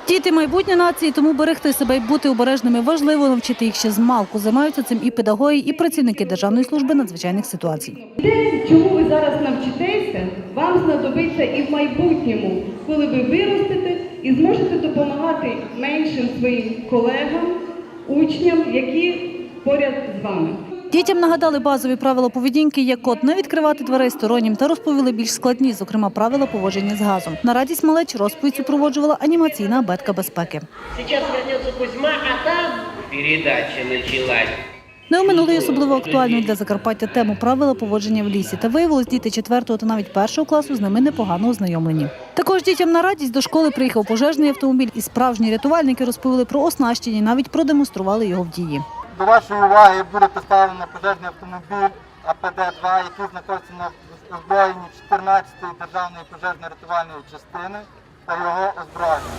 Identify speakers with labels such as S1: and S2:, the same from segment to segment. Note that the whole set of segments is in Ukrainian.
S1: Діти – майбутнє нації, тому берегти себе і бути обережними важливо, навчити їх ще змалку. Займаються цим і педагоги, і працівники Державної служби надзвичайних ситуацій.
S2: Те, чому ви зараз навчитеся, вам знадобиться і в майбутньому, коли ви виростете і зможете допомагати меншим своїм колегам, учням, які поряд з вами.
S1: Дітям нагадали базові правила поведінки, як от не відкривати дверей стороннім, та розповіли більш складні, зокрема правила поводження з газом. На радість малеч розповідь супроводжувала анімаційна абетка безпеки.
S3: Зараз повернеться Кузьма, а там передача почалась.
S1: Не оминули особливо актуальну для Закарпаття тему правила поводження в лісі. Та виявилось, діти 4-го та навіть 1-го класу з ними непогано ознайомлені. Також дітям на радість до школи приїхав пожежний автомобіль, і справжні рятувальники розповіли про оснащення, навіть продемонстрували його в дії.
S4: До вашої уваги буде поставлено пожежний автомобіль АПД-2, який знаходиться на озброєнні 14-ї державної пожежно-рятувальної частини та його озброєння.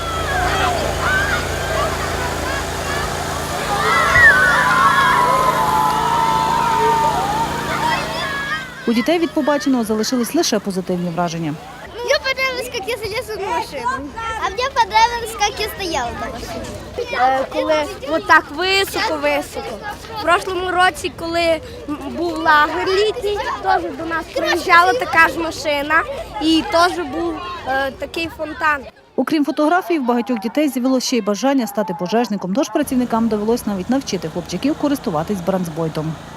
S1: У дітей від побаченого залишились лише позитивні враження.
S5: Мне понравилось, как я залезла в машину. А мне понравилось, как я стояла на машині.
S6: Коли отак високо-високо. В прошлому році, коли був лагер літній, теж до нас приїжджала така ж машина і теж був такий фонтан.
S1: Окрім фотографій, в багатьох дітей з'явилося ще й бажання стати пожежником, тож працівникам довелось навіть навчити хлопчиків користуватись бронзбойтом.